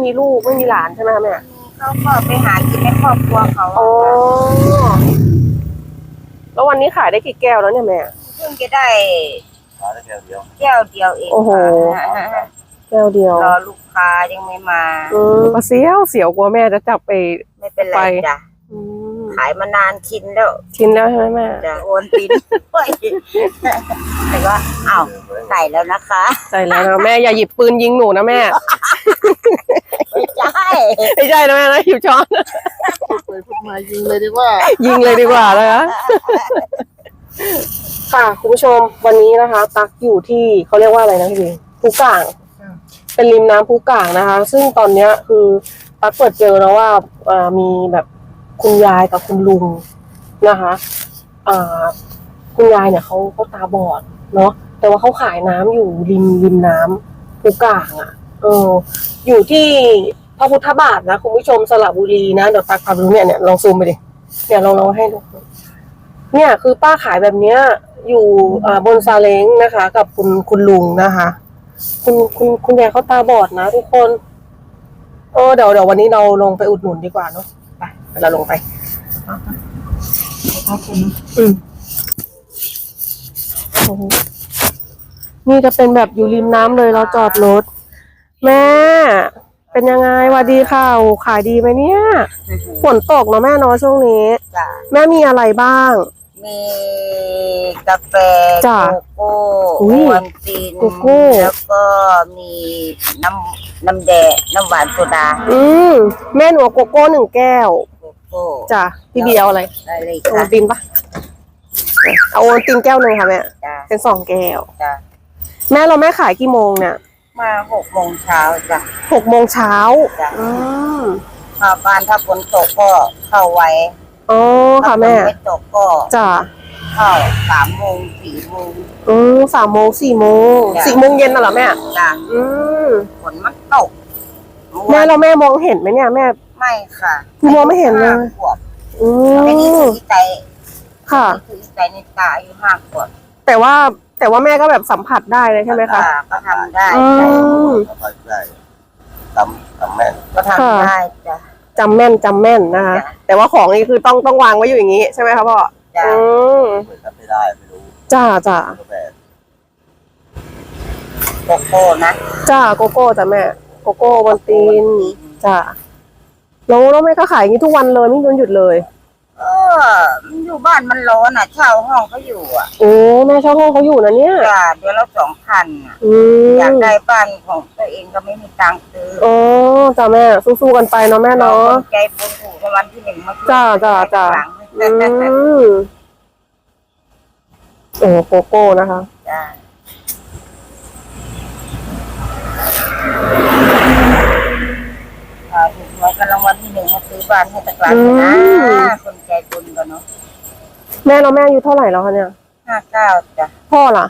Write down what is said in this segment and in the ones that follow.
มีลูกไม่มีหลานใช่ไหมคะแม่เขาก็ไปหากินในครอบครัวเขาอ๋อแล้ววันนี้ขายได้กี่แก้วแล้วเนี่ยแม่เพิ่งจะได้แก้วเดียวเองโอ้โหแก้วเดียวรอลูกค้ายังไม่มาก็เสียวกลัวแม่จะจับไปไม่เป็นไรจ้ะขายมานานชินแล้วใช่ไหมแม่จะโอนตินแต่ว่าอ้าวใส่แล้วนะคะใส่แล้วนะแม่อย่าหยิบปืนยิงหนูนะแม่ไม่ใช่นะแม่นะหยิบช้อนพูดมายิงเลยดีกว่าเลยนะค่ะคุณผู้ชมวันนี้นะคะตักอยู่ที่เขาเรียกว่าอะไรนะพี่ภูก่างเป็นริมน้ำภูก่างนะคะซึ่งตอนนี้คือตักเปิดเจอแล้วว่ามีแบบคุณยายกับคุณลุงนะคะคุณยายเนี่ยเขาตาบอดเนาะแต่ว่าเขาขายน้ำอยู่ริมน้ำภูก่างอ่ะอยู่ที่พระพุทธบาทนะคุณผู้ชมสระบุรีนะเดี๋ยวตักพาไปดูเนี่ยลองซูมไปดิเนี่ยลองให้ดูเนี่ยคือป้าขายแบบเนี้ยอยู่บนซาเล้งนะคะ กับคุณลุงนะคะคุณยายเขาตาบอดนะทุกคนเดี๋ยววันนี้เราลงไปอุดหนุนดีกว่าเนาะไปเราลงไปนี่จะเป็นแบบอยู่ริมน้ำเลยเราจอดรถแม่เป็นยังไงสวัสดีค่ะขายดีไหมเนี่ยฝนตกเนาะแม่เนาะช่วงนี้แม่มีอะไรบ้างมีกาแฟโกโก้วันตินแล้วก็มีน้ำแดงน้ำหวานโซดาแม่หนูโกโก้1 แก้วจ้ะพี่เบียร์อะไรโอตินปะเอาโอตินแก้ว1ค่ะแม่เป็น2 แก้วแม่เราแม่ขายกี่โมงเนี่ยมา6 โมงเช้าจ้ะ 6 โมงเช้าบ้านถ้าฝนตกก็เข้าไว้ค่ะแม่ไม่ตกก็จ้ะเข้า3 โมง 4 โมง 3 โมง 4 โมง4 โมงเย็นน่ะเหรอแม่จ้ะฝนมันตกแม่เราแม่มองเห็นไหมเนี่ยแม่ไม่ค่ะมองไม่เห็นเลยไม่ได้ถือใจค่ะถือใจในตาอยู่5 ขวบแต่ว่าแม่ก็แบบสัมผัสได้เลยใช่ไหมคะก็ทำได้ทำแม่นก็ทำได้จ้ะจำแม่นนะคะแต่ว่าของนี่คือต้องวางไว้อยู่อย่างนี้ใช่ไหมคะพ่อไม่ได้ไม่รู้จ้าโกโก้นะจ้าโกโก้จ้ะแม่โกโก้วันตีนจ้าแล้วแม่ก็ขายอย่างนี้ทุกวันเลยไม่หยุดเลยอยู่บ้านมันร้อนอ่ะเช่าห้องเขาอยู่อ่ะแม่เช่าห้องเขาอยู่นะเนี่ยจ้ะเดือนละ2,000อยากได้บ้านของตัวเองก็ไม่มีตังค์ซื้อจ้าแม่สู้ๆกันไปเนาะแม่เนาะใจบุญถูกวันที่1มาจ้าโกโก้นะคะจ้าถูกหวยกันรางวัลที่1มาซื้อบ้านให้ตะกร้านะคนใจบุญกันเนาะแม่เราแม่อายุเท่าไหร่แล้วคะเนี่ย 59จ้ะพ่อล่ะ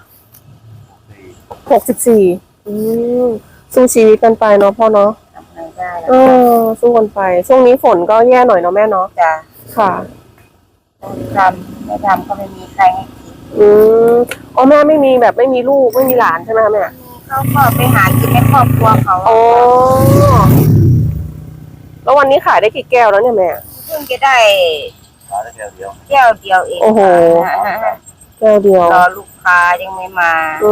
64สู้ชีวิตกันไปเนาะพ่อเนาะทำไงได้สู้กันไปช่วงนี้ฝนก็แย่หน่อยเนาะแม่เนาะจ้ะค่ะไม่ทำก็ไม่มีใครให้กินแม่ไม่มีลูกไม่มีหลานใช่ไหมคะแม่เขาก็ไปหากินในครอบครัวเขาแล้ววันนี้ขายได้กี่แก้วแล้วเนี่ยแม่เพิ่งจะได้แก้วเดียวเองโอ้โหแก้วเดียวรอลูกค้ายังไม่มา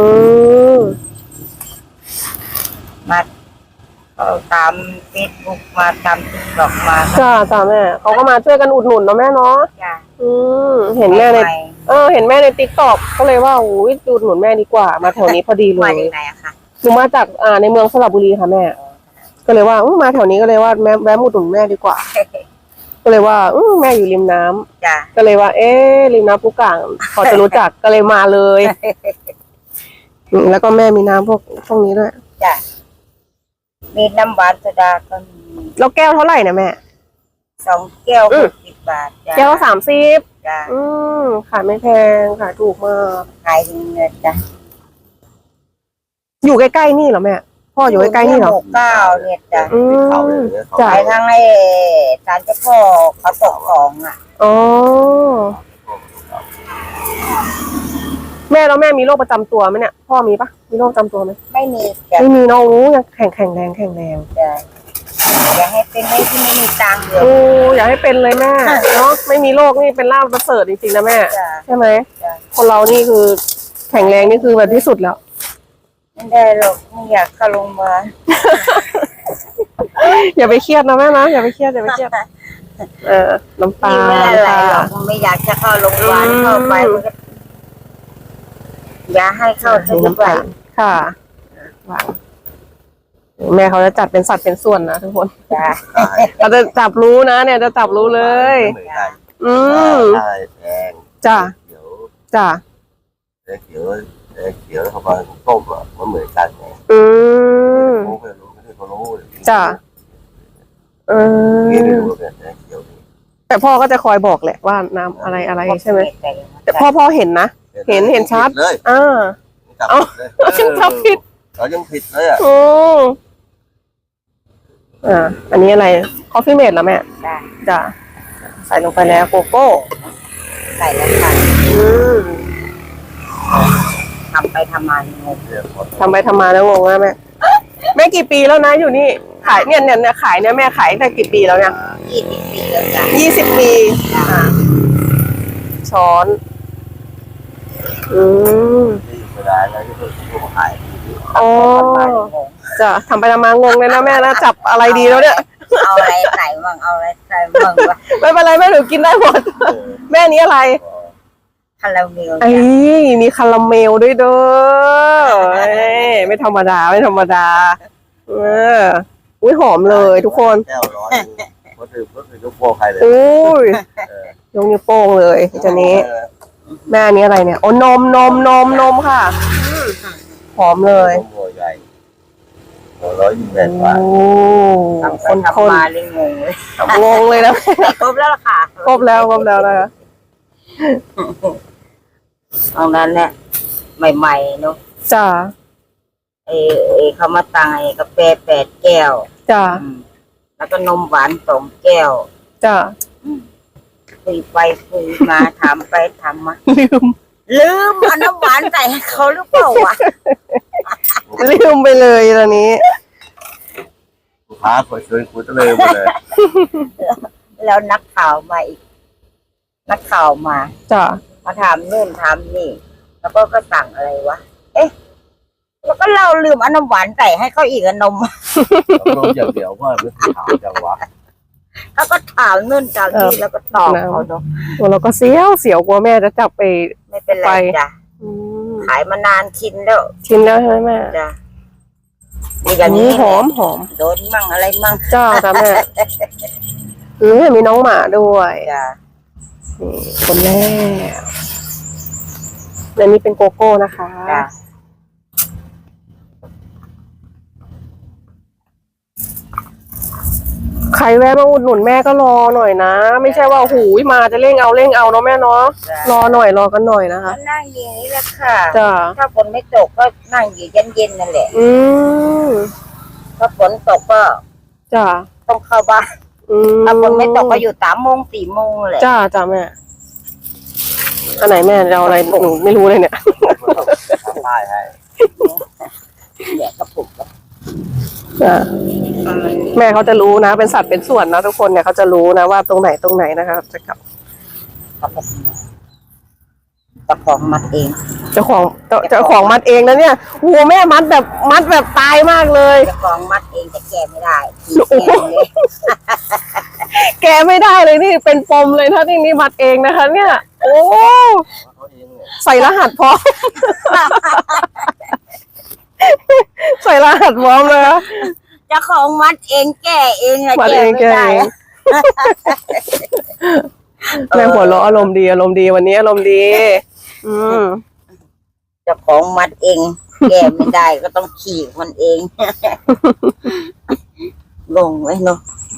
ตามเฟซบุ๊กมาตามติ๊กต็อกมาจ้าแม่เขาก็มาช่วยกันอุดหนุนเนาะแม่เนาะเห็นแม่ในติ๊กต็อกก็เลยว่าอุดหนุนแม่ดีกว่ามาแถวนี้พอดีเลยมาจากไหนอะคะหนูมาจากในเมืองสระบุรีค่ะแม่ก็เลยว่ามาแถวนี้ก็เลยว่าแวะอุดหนุนแม่ดีกว่าก็เลยว่าแม่อยู่ริมน้ำก็เลยว่าริมน้ำภูก่างพอจะรู้จักก็เลยมาเลยแล้วก็แม่มีน้ำพวกนี้ด้วยจ้ะมีน้ำหวานโซดาก็มีแล้วแก้วเท่าไหร่นะแม่ 2 แก้ว60 บาทจ้ะแก้ว30 จ้ะขายไม่แพงขายถูกมากขายเงินจ้ะอยู่ใกล้ๆนี่เหรอแม่พ่ออยู่ใกล้ๆนี่เหรอ 69เนี่ยจ้ะจ่ายทั้งให้ศาลเจ้าพ่อเขาตกของอ่ะแม่แล้วแม่มีโรคประจำตัวไหมเนี่ยพ่อมีปะมีโรคประจำตัวไหมไม่มีไม่มีน้องรู้ยังแข็งแรงจ้ะอย่าให้เป็นให้ที่ไม่มีตังค์เลยโอ้อยากให้เป็นเลยแม่เนาะไม่มีโรคนี่เป็นลาภประเสริฐจริงๆนะแม่จ้ะใช่ไหมจ้ะคนเรานี่คือแข็งแรงนี่คือแบบที่สุดแล้วไม่ได้หรอกไม่อยากเข้าโรงพยาบาลอย่าไปเครียดนะแม่นะอย่าไปเครียดอย่าไปเครียดน้ำตานี่ไม่อะไรน้ำตาหรอกไม่อยากจะเข้าโรงพยาบาลเข้าไปมันก็อย่าให้เข้ามีทุกน้ำวัตาน ค่ะวางแม่เขาจะจัดเป็นสัตว์เป็นส่วนนะทุกคนจ้ะเราจะจับรู้นะเนี่ยจะจับรู้เลยเหมือนกันอืมใช่แดงจ้ะเขียวจ้ะเขียวเขียวเข้ามาต้มอ่ะมันเหมือนกันไงอืมรู้ไม่รู้ไม่เขารู้จ้ะนี่ไม่รู้เนี่ยเขียวนี่แต่พ่อก็จะคอยบอกแหละว่าน้ำอะไรอะไรใช่ไหมแต่พ่อเห็นนะเห็นชัดเลยอ่าเอาเลยฉันจับผิดเรายังผิดเลยอ่ะโอ้อันนี้อะไรคอฟฟี่เมดแล้วแม่จ้ะจ้ะใส่ลงไปแล้วโกโก้ใส่แล้วค่ะอืมทำไปทำมางงทำไปทำมาแล้วงงนะแม่แม่กี่ปีแล้วนะอยู่นี่ขายเนี่ยขายเนี่ยแม่ขายตั้งกี่ปีแล้วเนี่ย 20 ปีแล้วจ้ะ 20 ปีช้อนอืมที่เวลาอะไรที่เขาขายอ๋อทำมางงจะทำไปทำมางงเลยนะแม่นะจับอะไรดีแล้วเนี่ยเอาอะไรใส่บ้างเอาอะไรใส่บ้างวะไม่เป็นไรแม่หนูกินได้หมด แม่นี้อะไรคาราเมลไอ้จ้ะมีคาราเมลด้วยเด้อเอ้ยไม่ธรรมดาไม่ธรรมดาอุ้ยหอมเลยทุกคนแก้วร้อนก็คือยกโป้ใครเลยอุ้ยยกนิ้วโป้งเลยทีนี้แม่อันนี้อะไรเนี่ยโอ้นมค่ะหอมเลยโป้ใหญ่128 บาทโอ้ทำไปคนทำมาเลยงงเลยงงเลยนะครบแล้วล่ะค่ะครบแล้วนะคะตรงนั้นเนี่ยใหม่ๆเนาะจ้าเขามาตังไอ้กาแฟ8 แก้วจ้าแล้วก็นมหวาน2 แก้วจ้าคุยไปคุยมาถามไปถามมาลืมเอาน้ำหวานใส่ให้เขาหรือเปล่าวะลืมไปเลยตอนนี้ลูกค้าเปิดชวนคุยตะเลยหมดเลยแล้วนักข่าวมาอีก นักข่าวมาจ้ามาถามนู่นถามนี่ แล้วก็สั่งอะไรวะ เอ๊ะ แล้วก็เราลืมเอาน้ำหวานใส่ให้เขาอีกอะนมลงอย่างเดียวว่าไม่ถามจังวะเขาก็ถามนู่นถามนี่แล้วก็ตอบเขาเนาะตัวเราก็เสียวกลัวแม่จะจับไปไม่เป็นไรจ้ะอืมขายมานานชินแล้วชิมแล้วใช่ไหมแม่จ้ะมีอย่างนี้หอมโดนมั่งอะไรมั่งจ้าแม่มีน้องหมาด้วยจ้ะนี่คนแรกและนี่เป็นโกโก้นะคะจ้ะใครแวะมาอุดหนุนแม่ก็รอหน่อยนะ ไม่ใช่ว่าหูยมาจะเร่งเอาเนาะแม่เนาะรอหน่อยรอกันหน่อยนะคะก็นั่งอย่างนี้แหละค่ะจ้าถ้าฝนไม่ตกก็นั่งอยู่เย็นๆนั่นแหละอืมถ้าฝนตกก็จ้าต้องเข้าบ้านอืมถ้าฝนไม่ตกก็อยู่3 โมง 4 โมงแหละจ้าแม่อันไหนแม่จะเอาอะไรหนูไม่รู้เลยเนี่ยทำป้ายให้แดกกระปุกแล้วจ้าแม่เขาจะรู้นะ เป็นสัตว์เป็นส่วนนะทุกคนเนี่ยเขาจะรู้นะว่าตรงไหนนะคะจะกลับตะของมัดเองเจ้าของมัดเองนะเนี่ยโอ้แม่มัดแบบตายมากเลยตะของมัดเองแต่แก้ไม่ได้ขี่โอ้โหแก้เลยแกไม่ได้เลยนี่เป็นปมเลยถ้านี่มัดเองนะคะ เนี่ย โอ้เขาเองเนี่ยใส่รหัสพร้อม ใส่รหัสพร้อมเลยนะเจ้าของมัดเองแก้เองอะมัดแก้เองไม่แกได้เองแม่หัวเราะอารมณ์ดีวันนี้อารมณ์ดี อืมเจ้าของมัดเอง แก้ไม่ได้ก็ต้องขี่มันเอง งงไว้เนาะ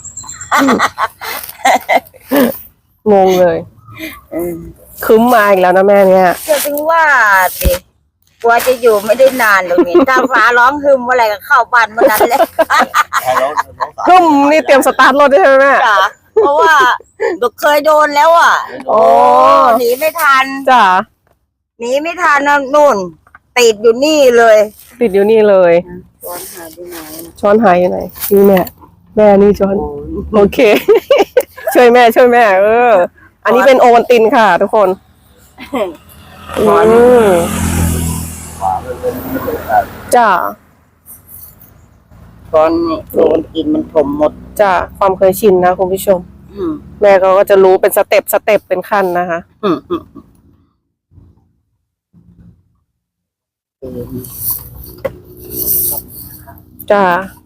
งงเลยอืมคึ้มมาอีกแล้วนะแม่เนี่ยจะถึงว่าสิกลัวจะอยู่ไม่ได้นานหรอกนี่ถ้าฟ้าร้องฮึมเมื่อไหร่ก็เข้าบ้านเมื่อนั้นเลยใครน้องสาวคึ้มนี่เตรียมสตาร์ทรถได้ใช่ไหมแม่จ้ะเพราะว่าดูเคยโดนแล้วอ่ะโอ้หนีไม่ทันจ้าหนีไม่ทันนะนู่น ติดอยู่นี่เลยติดอยู่นี่เลยช้อนหายไปไหนช้อนหายอยู่ไหนนี่แม่แม่นี่จนโอเค ช่วยแม่อันนี้เป็นโอวัลตินค่ะ ทุกคนจ้าตอนนี้โดนกินมันถมหมดจ้าความเคยชินนะคุณผู้ชม แม่เขาก็จะรู้เป็นสเต็ปเป็นขั้นนะคะจ้า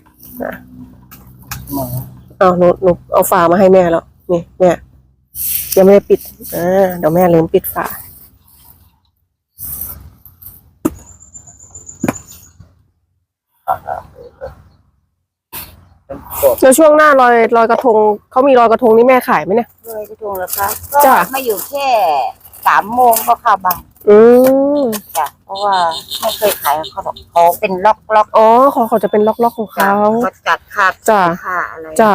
เอาหนูเอาฝามาให้แม่แล้วนี่แม่ยังไม่ได้ปิดเดี๋ยวแม่ลืมปิดฝาแล้วช่วงหน้าลอยกระทงเขามีลอยกระทงนี่แม่ขายไหมเนี่ยลอยกระทงแล้วคะจ้ะก็มาอยู่แค่3 โมงก็เข้าบ้าน จ้ะเพราะว่าไม่เคยขายเขาหรอกเขาเป็นล็อกอ๋อเขาจะเป็นล็อกของจ้ะเขาเขาจัดค่าจ้ะค่าอะไรจ้า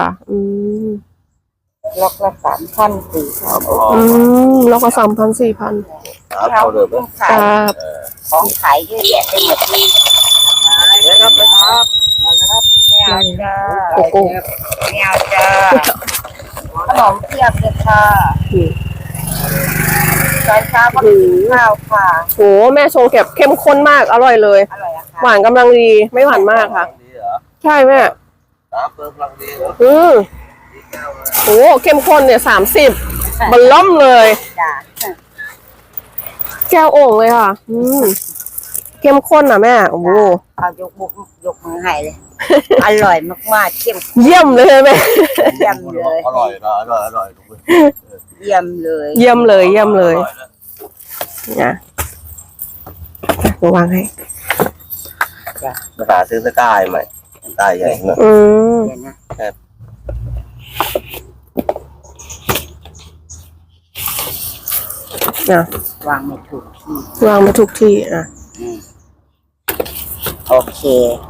ล็อกละ3,000 4,000ล็อกละ3,000 4,000 เขาเลยขายครับของขายเยอะแยะไปหมดเลยเดี๋ยวครับไปครับไม่เอาจ้าโกโก้ไม่เอาจ้าขนมเทียบเลยค่ะตอนเช้าก็กินข้าวค่ะโหแม่ชงแบบเข้มข้นมากอร่อยเลยอร่อยอะค่ะหวานกำลังดีไม่หวานมากค่ะดีเหรอใช่แม่น้ำเพิ่มพลังดีเหรอโหเข้มข้นเนี่ย30มันล่อมเลยจ้าแก้วโอ่งเลยค่ะ เข้มข้นอ่ะแม่โอ้โหเอายกมือให้เลย อร่อยมากๆเข้มเยี่ยมเลยแม่เยี่ยมเลยอร่อยนะอร่อยเยี่ยมเลยเยี่ยมเลยนะวางให้มาหาซื้อตะกร้าใหม่ตะกร้าใหญ่เนอะเดี๋ยวนะนะวางไม่ถูกที่วางมาทุกที่อ่ะโอเค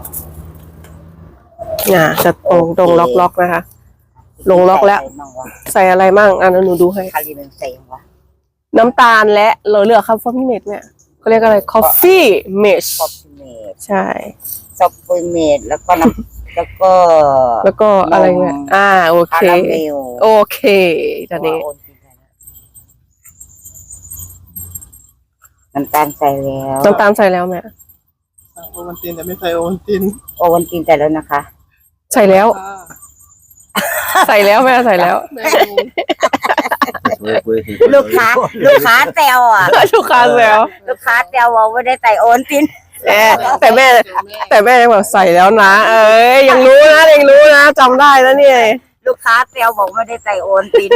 จะตรงล็อกนะคะ ลงล็อกแล้ว ใส่อะไรมั่งอันนั้นหนูดูให้คาริเมนเซงวะน้ำตาลและเหลือคาเฟอีนเมดเนี่ยเขาเรียกอะไร coffee mesh คอฟฟี่เมดใช่ซอฟต์เมดแล้วก็น้ำแล้วก็อะไรเงี้ยโอคาเคราเมลโอเคตอนนี้น้ำตาลใส่แล้วน้ำตาลใส่แล้วแม่โอวัลตินแต่ไม่ใส่โอวัลตินโอวันตินใส่แล้วนะคะใส่แล้ว ใส่แล้วแม่ใส่แล้วแม่รู้ลูกค้าแซวอ่ะลูกค้าแล้วลูกค้าแซวว่าไม่ได้ใส่โอวันตินแต่แม่ยังแบบใส่แล้วนะ เอ้ยยังรู้นะจำได้แล้วเนี่ยลูกค้าแซวบอกไม่ได้ใส่โอวันติน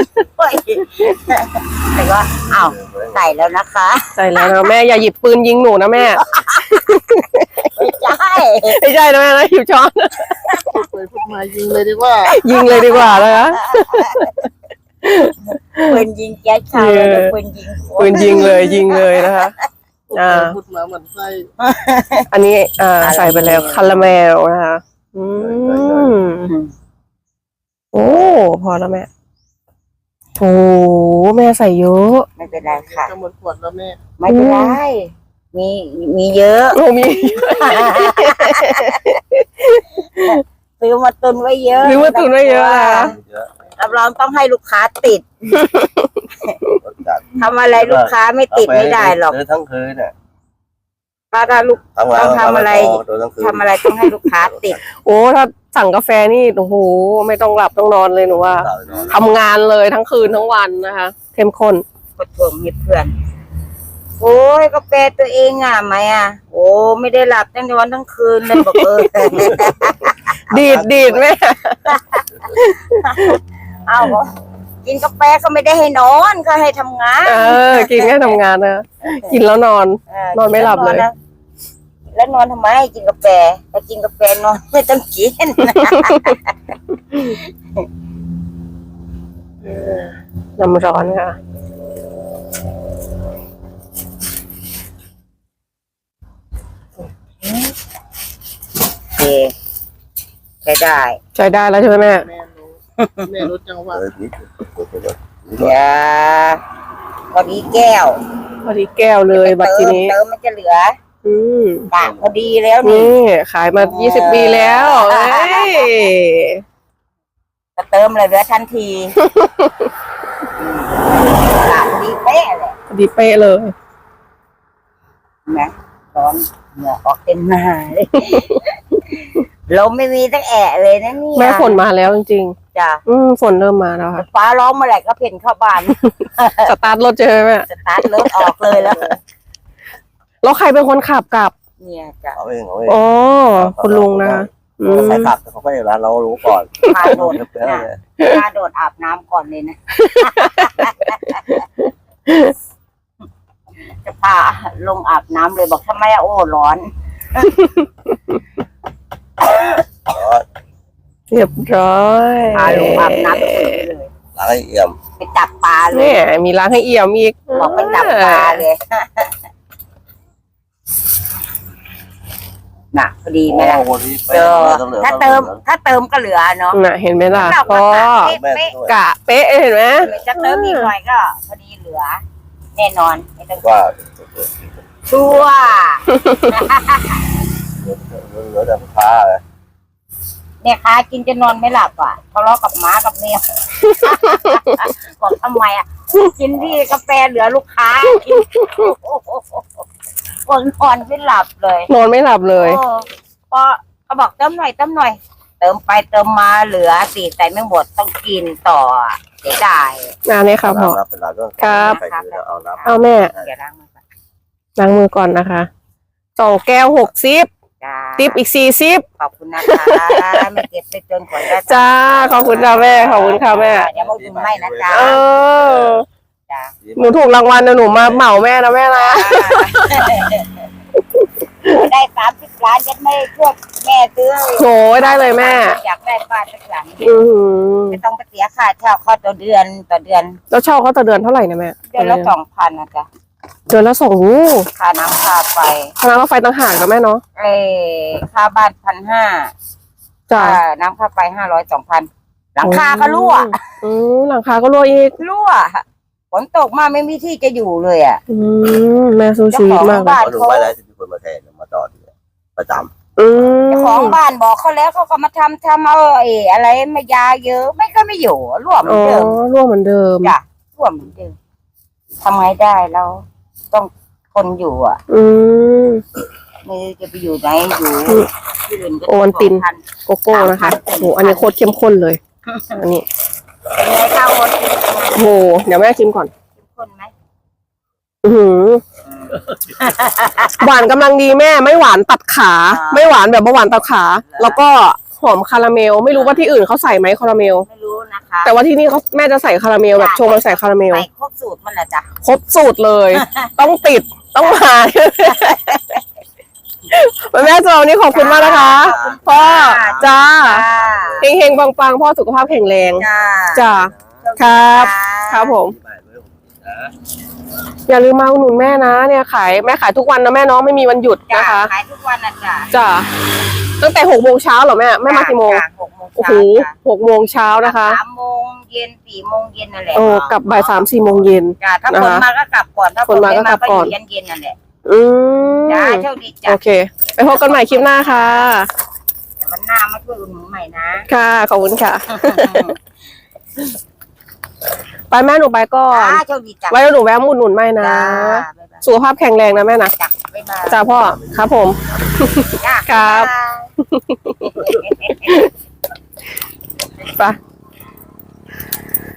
แต่ว่าอ้าวใส่แล้วนะคะใส่แล้วนะแม่อย่าหยิบปืนยิงหนูนะแม่ไม่ใช่ไม่ใช่นะแม่นะหยิบช้อนพูดไปพูดมายิงเลยดีกว่ายิงเลยดีกว่าเลยนะปืนยิงแก๊สชาวแล้วปืนยิงหัวปืนยิงเลยนะคะพูดไปพูดมาเหมือนไส้อันนี้ใส่ไปแล้วคาราเมลนะคะโอ้พอแล้วแม่โอ้แม่ใส่เยอะไม่เป็นไรค่ะจะหมดขวดแล้วแม่ไม่เป็นไรมีเยอะโอ้มีซื้อมาตุนไว้เยอะซื้อมาตุนไว้เยอะนะรับรองต้องให้ลูกค้าติดทำอะไรลูกค้าไม่ติดไม่ได้หรอกทั้งคืนเนี่ยถ้าลูกต้องทำอะไรทำอะไรต้องให้ลูกค้าติดโอ้ถ้าสั่งกาแฟนี่โอ้โหไม่ต้องหลับต้องนอนเลยหนูว่าทำงานเลยทั้งคืนทั้งวันนะคะ เข้มข้นกดทวงให้เพื่อนโอ้ยกาแฟตัวเองอ่ะไหมอ่ะโอ้ไม่ได้หลับทั้งวันทั้งคืนเลยบอกดีดแม่เอากินกาแฟก็ไม่ได้ให้นอนก็ให้ทำงานกินแค่ทำงานนะกินแล้วนอน นอนไม่หลับเลยแล้วนอนทำไมกินกาแฟถ้ากินกาแฟนอนไม่ต้องกินน้ำร้อนค่ะโอเคใช้ได้ใช้ได้แล้วใช่ไหมแม่แม่รู้จังหวะอย่าพอดีแก้วพอดีแก้วเลยบัตรทีนี้เติมมันจะเหลืออืมกะพอดีแล้วนี่นี่ขายมา20 ปีแล้วเอ้ยก็เติมเลยเหลือทันทีหลับดีเป๊ะเลยดีเป๊ะเลยนะร้อนเหงื่อออกเต็มหน้าเลยลมไม่มีตั้งแอะเลยนะเนี่ยแม่ฝนมาแล้วจริงจ้ะๆฝนเริ่มมาแล้วค่ะฟ้าร้องเมื่อไหร่ก็เพ่นเข้าบ้านสตาร์ทรถเจอไหมสตาร์ทรถออกเลยแล้วแล้วใครเป็นคนขับกลับเนี่ยจ้ะเอาเองเอาเองอ๋อคุณลุงนะคะอืมใครขับเขาก็อย่างนั้นเรารู้ก่อนพาโดดเพื่อนนะเลยพาโดดอาบน้ำก่อนเลยนะ จะพาลงอาบน้ำเลยบอกทำไมอะโอ้ร้อนเรียบร้อยพาลงอาบน้ำเลยล้างให้เอี่ยมไปจับปลาเลเนี่ย ยมีล้างให้เอี่ยมอีกบอกไปจับปลาเลยน่ะพอดีไหมล่ะวันนี้เจอถ้าเติมก็เหลือเนาะน่ะเห็นไหมล่ะเราพ่อเป๊ะกะเป๊ะเห็นไหมจะเติมอีกหน่อยก็พอดีเหลือ แน่นอนไม่ต้องว่าชัวร์เหลือแต่ลูกค้าเลยเนี่ยค้ากินจะนอนไม่หลับอ่ะทะเลาะกับหมากับแมว บอกทำไมอ่ะกินที่กาแฟเหลือลูกค้ากินคนนอนไม่หลับเลยนอนไม่หลับเลยพอเขาบอกเติมหน่อยเติมหน่อย เติมไปเติมมาเหลือสี่ใส่ไม่หมดต้องกินต่อเสียดายนี่ค่ะพ่อเป็นหลักก็ครับใส่เกลือเอาน้ำเอาแม่เดี๋ยวล้างมือก่อนล้างมือก่อนนะคะ2 แก้ว60 จ้าติปอีก40 ขอบคุณนะคะไม่เก็บไปจนกว่าจะจ้าขอบคุณค่ะแม่ขอบคุณค่ะแม่เดี๋ยวมาอุ่นไม่นะจ๊ะเออจ้าหนูถูกรางวัลนะหนูมาเหมาแม่นะแม่นะได้30 ล้านจะไม่ช่วยแม่ซื้อโหได้เลยแม่อยากได้บ้านสักหลังอือหือไม่ต้องไปเสียค่าเช่าข้อต่อเดือนแล้วเช่าเขาต่อเดือนเท่าไหร่นะแม่เดือนละ2,000นะจ๊ะเดือนละ2 ค่าน้ำค่าไฟคณะรถไฟต่างหากนะแม่เนาะค่าบ้าน1,500 จ้าค่าน้ำค่าไฟ500 2,000หลังคาก็รั่วหลังคาก็รั่วอีกรั่วฝนตกมาไม่มีที่จะอยู่เลยอ่ะแม่สู้ชีวิตมากเลยเขาดูไว้แล้วจะมีคนมาแทนมาต่อทีประจเจ้าของบ้านบอกเขาแล้วเขาก็มาทำเอาอะไรมายาเยอะไม่ก็ไม่อยู่รั่วเหมือ๋อนอเดิมรั่วเหมือนเดิมจ้ะรั่วเหมือนเดิมทำไงได้เราต้องทนอยู่อ่ะอืมไม่รู้จะไปอยู่ไหนอยู่ที่อื่นก็โอวัลตินพันโกโก้นะคะโอ้โหอันนี้โคตรเข้มข้นเลย อันนี้เป็นไงข้าวโอวัลตินโอ้โหเดี๋ยวแม่ชิมก่อนเข้มข้นไหมอือหือหวานกำลังดีแม่ไม่หวานตัดขา ไม่หวานแบบว่าหวานตัดขา แล้วก็หอมคาราเมล ไม่รู้ว่าที่อื่นเขาใส่ไหมคาราเมลไม่รู้นะคะแต่ว่าที่นี่เขาแม่จะใส่คาราเมลแบบชงมันใส่คาราเมลใส่ครบสูตรมันแหละจ้ะครบสูตรเลย ต้องติดต้องมาแม่สำหรับวันนี้ขอบคุณมากนะคะพ่อจ้าเฮงๆปังๆพ่อสุขภาพแข็งแรงจ้าจ้าครับ ครับผมำไม่ไม่นะอย่าลืมมาอุดหนุนแม่นะเนี่ยขายแม่ขายทุกวันนะแม่เน้องไม่มีวันหยุดจ้านะคะขายทุกวันนะจ้าจ้าตั้งแต่6 โมงเช้าเหรอแม่แม่มากี่โมงจ้ะ6 โมงโอ้โหเช้าจ้ะ 6 โมงเช้านะคะ 3 โมงเย็น4 โมงเย็นนั่นแหละโอ้กลับบ่าย3-4 โมงเย็นจ้าถ้านะฝคะนมาก็กลับก่อนถ้าฝฝนนมาไม่ก็กลัมาบก็ก่ออนยู่เย็นๆนั่นแหละอืมจ้าโชคดีจ้าโอเค ไปพบกันใหม่คลิปหน้าค่ะเดี๋ยววันหน้ามาช่วยอุดหนุนใหม่นะค่ะขอบคุณค่ะ ไปแม่หนูไปก่อนจ้าโชคดีจ้าไว้หนูแวะมาอุดหนุนใหม่นะจ้าบ๊ายบายสุขภาพแข็งแรงนะแม่นะจ้าบ๊ายบายจ้าพ่อครับผมจ้าครับบ๊ายบายไป